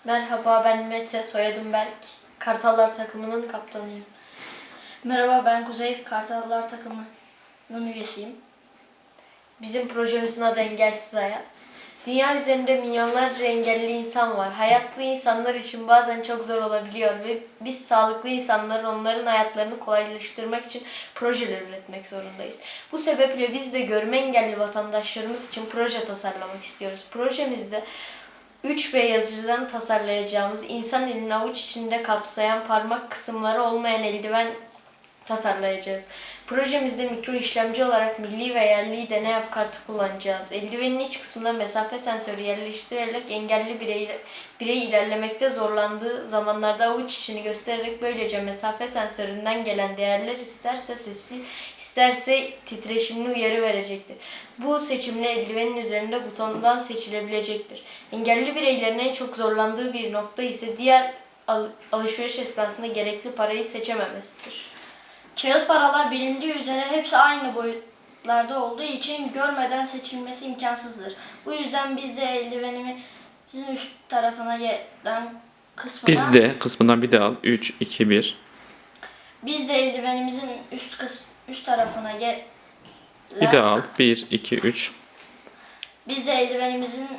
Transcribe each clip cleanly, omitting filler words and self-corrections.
Merhaba, ben Mete, soyadım Berk. Kartallar takımının kaptanıyım. Merhaba, ben Kuzey, Kartallar takımının üyesiyim. Bizim projemizin adı Engelsiz Hayat. Dünya üzerinde milyonlarca engelli insan var. Hayat bu insanlar için bazen çok zor olabiliyor ve biz sağlıklı insanların onların hayatlarını kolaylaştırmak için projeler üretmek zorundayız. Bu sebeple biz de görme engelli vatandaşlarımız için proje tasarlamak istiyoruz. Projemizde 3B yazıcıdan tasarlayacağımız insan elini avuç içinde kapsayan parmak kısımları olmayan eldiven tasarlayacağız. Projemizde mikro işlemci olarak milli ve yerli deney yap kartı kullanacağız. Eldivenin iç kısmına mesafe sensörü yerleştirerek engelli birey ilerlemekte zorlandığı zamanlarda avuç içini göstererek böylece mesafe sensöründen gelen değerler isterse sesli, isterse titreşimli uyarı verecektir. Bu seçimle eldivenin üzerinde butondan seçilebilecektir. Engelli bireylerin en çok zorlandığı bir nokta ise diğer alışveriş esnasında gerekli parayı seçememesidir. Kağıt paralar bilindiği üzere hepsi aynı boyutlarda olduğu için görmeden seçilmesi imkansızdır. Bu yüzden biz de eldivenimizin üst tarafına gelen Kısmından bir de al. 3, 2, 1. Biz de eldivenimizin üst tarafına gelen Bir de al. 1, 2, 3. Biz de eldivenimizin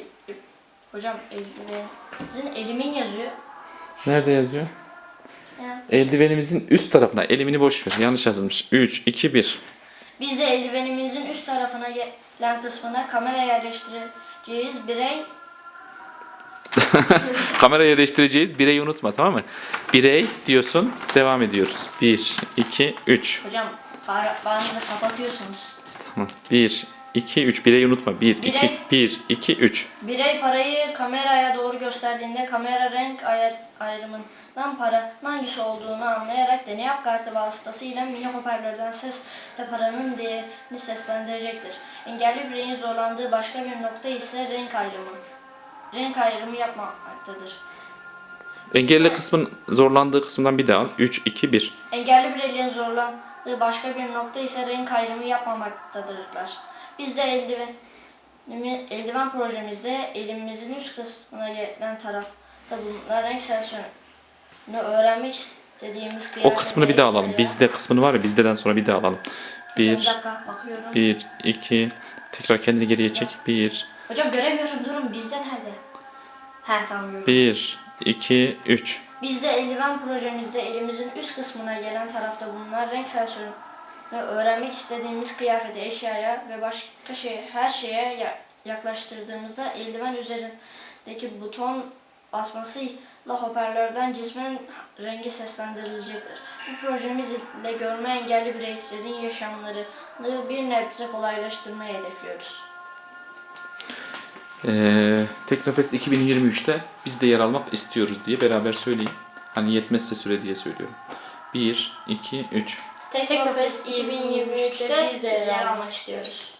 eldivenimizin elimin yazıyor. Nerede yazıyor? Yani, Eldivenimizin üst tarafına. Elimini boş ver. Yanlış yazılmış. 3, 2, 1. biz de eldivenimizin üst tarafına gelen kısmına kamera yerleştireceğiz. Kamera yerleştireceğiz. Bireyi unutma, tamam mı? Birey diyorsun. Devam ediyoruz. 1, 2, 3. Hocam bağınızı kapatıyorsunuz. Tamam. 1, 2, 3. Bireyi unutma. 1, 2, Birey- 1, 2, 3. Birey parayı kameraya doğru gösterdiğinde kamera renk ayrımından paranın hangisi olduğunu anlayarak deney yap kartı vasıtasıyla mini hoparlörden sesle paranın değerini seslendirecektir. Engelli bireyin zorlandığı başka bir nokta ise renk ayrımı. Renk ayrımı yapmamaktadır. Engelli kısmın zorlandığı kısımdan bir de al. 3, 2, 1. Engelli bireylerin zorlandığı başka bir nokta ise renk ayrımı yapmamaktadırlar. Biz de eldiven projemizde elimizin üst kısmına gelen tarafta bulunan renk sensörünü öğrenmek istediğimiz O kısmını bir daha alalım. Bizde kısmını var ya, bizdeden sonra bir daha alalım. Bir 1, dakika bakıyorum. 1, 2. Tekrar kendini geriye çek. 1, Hocam göremiyorum, durun, bizde nerede? He, tamam, gördüm. 1, 2, 3. Biz de eldiven projemizde elimizin üst kısmına gelen tarafta bulunan renk sensörünü öğrenmek istediğimiz kıyafete, eşyaya ve başka her şeye yaklaştırdığımızda eldiven üzerindeki buton basmasıyla hoparlörden cismin rengi seslendirilecektir. Bu projemiz ile görme engelli bireylerin yaşamlarını bir nebze kolaylaştırmayı hedefliyoruz. Teknofest 2023'te biz de yer almak istiyoruz diye beraber söyleyin. Hani yetmezse süre diye söylüyorum. 1, 2, 3. Teknofest 2023'te biz de yer almak istiyoruz.